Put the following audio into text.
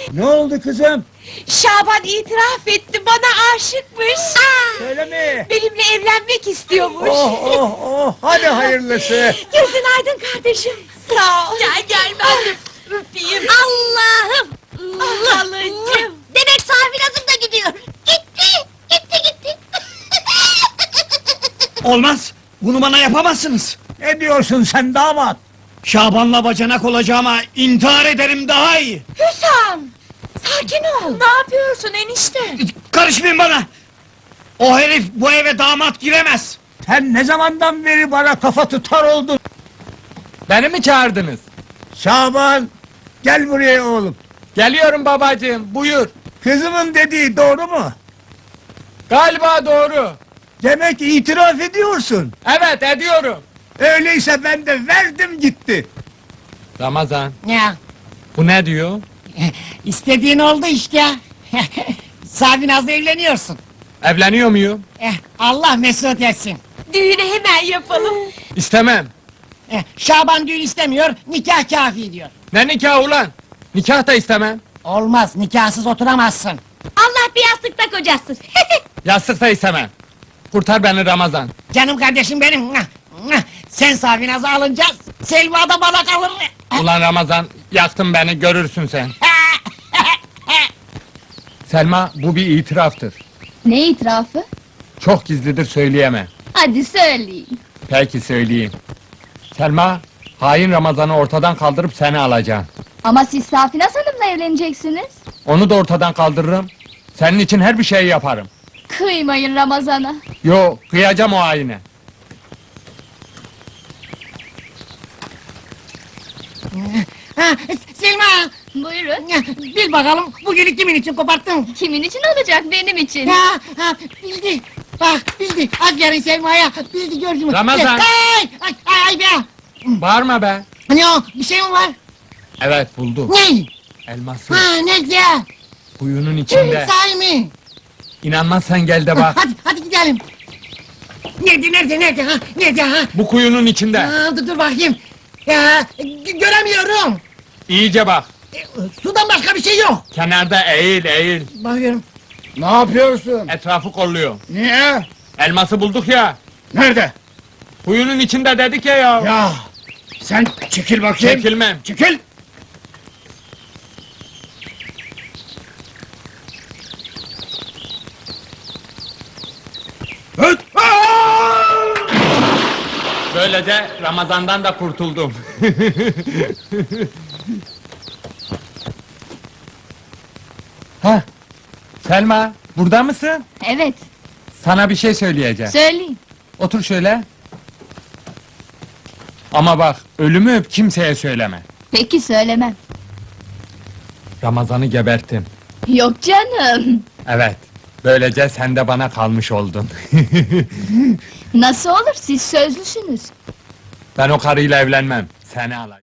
Ne oldu kızım? Şaban itiraf etti, bana aşıkmış. Öyle mi? Benimle evlenmek istiyormuş. Oh, hadi hayırlısı. Gözün aydın kardeşim. Sağ ol. Gel ben de öpeyim. Allah'ım! Halacığım. Demek Safinaz'ım da gidiyor. Gitti. Olmaz! Bunu bana yapamazsınız! Ne diyorsun sen damat? Şaban'la bacanak olacağıma intihar ederim daha iyi! Hüsam! Sakin ol. Ne yapıyorsun enişte? Karışmayın bana! O herif bu eve damat giremez! Sen ne zamandan beri bana kafa tutar oldun? Beni mi çağırdınız? Şaban, gel buraya oğlum. Geliyorum babacığım, buyur. Kızımın dediği doğru mu? Galiba doğru. Demek itiraf ediyorsun. Evet, ediyorum. Öyleyse ben de verdim gitti. Ramazan, Ya, bu ne diyor? istediğin oldu işte. Safinaz'la evleniyorsun. Evleniyor muyum? Allah mesut etsin. Düğünü hemen yapalım. İstemem. Şaban düğün istemiyor, nikah kafi diyor. Ne nikah ulan? Nikah da istemem. Olmaz, nikahsız oturamazsın. Allah bir yastıkta kocasın. Yastık da istemem. Kurtar beni Ramazan. Canım kardeşim benim. Sen Safinaz'ı alınca Selma da bana kalır. Ulan Ramazan, yaktın beni, görürsün sen. Selma, bu bir itiraftır. Ne itirafı? Çok gizlidir, söyleyemem. Hadi söyleyin. Peki söyleyeyim. Selma, hain Ramazan'ı ortadan kaldırıp seni alacağım. Ama siz Safinaz Hanım'la evleneceksiniz. Onu da ortadan kaldırırım. Senin için her bir şey yaparım. Kıymayın Ramazan'a. Yo, kıyacağım o haine. Selma, Buyurun. bil bakalım bugünü kimin için koparttın? Kimin için olacak, benim için? Bildi. Bak bildi. Aferin Selma'ya. Bildi gördün mü? Ramazan! Ay be! Bağırma be! Ne o? Bir şey mi var? Evet, buldum. Ne? Elması. Ne güzel. Kuyunun içinde. Sahi mi? İnanmazsan gel de bak. Hadi gidelim. Nerede ha? Nerede ha? Bu kuyunun içinde. Dur bakayım. Ya, göremiyorum. İyice bak. Sudan başka bir şey yok. Kenarda eğil. Bakıyorum. Ne yapıyorsun? Etrafı kolluyor. Niye? Elması bulduk ya. Nerede? Kuyunun içinde dedik ya ya. Ya, sen çekil bakayım. Çekilmem. Çekil. Öt! Böylece Ramazan'dan da kurtuldum. Ha, Selma, burada mısın? Evet, Sana bir şey söyleyeceğim. söyleyin. Otur şöyle. Ama bak, ölümü öp, kimseye söyleme. Peki söylemem. Ramazan'ı geberttim. Yok canım. Evet, böylece sen de bana kalmış oldun. Nasıl olur, siz sözlüsünüz. Ben o karıyla evlenmem, seni alacağım.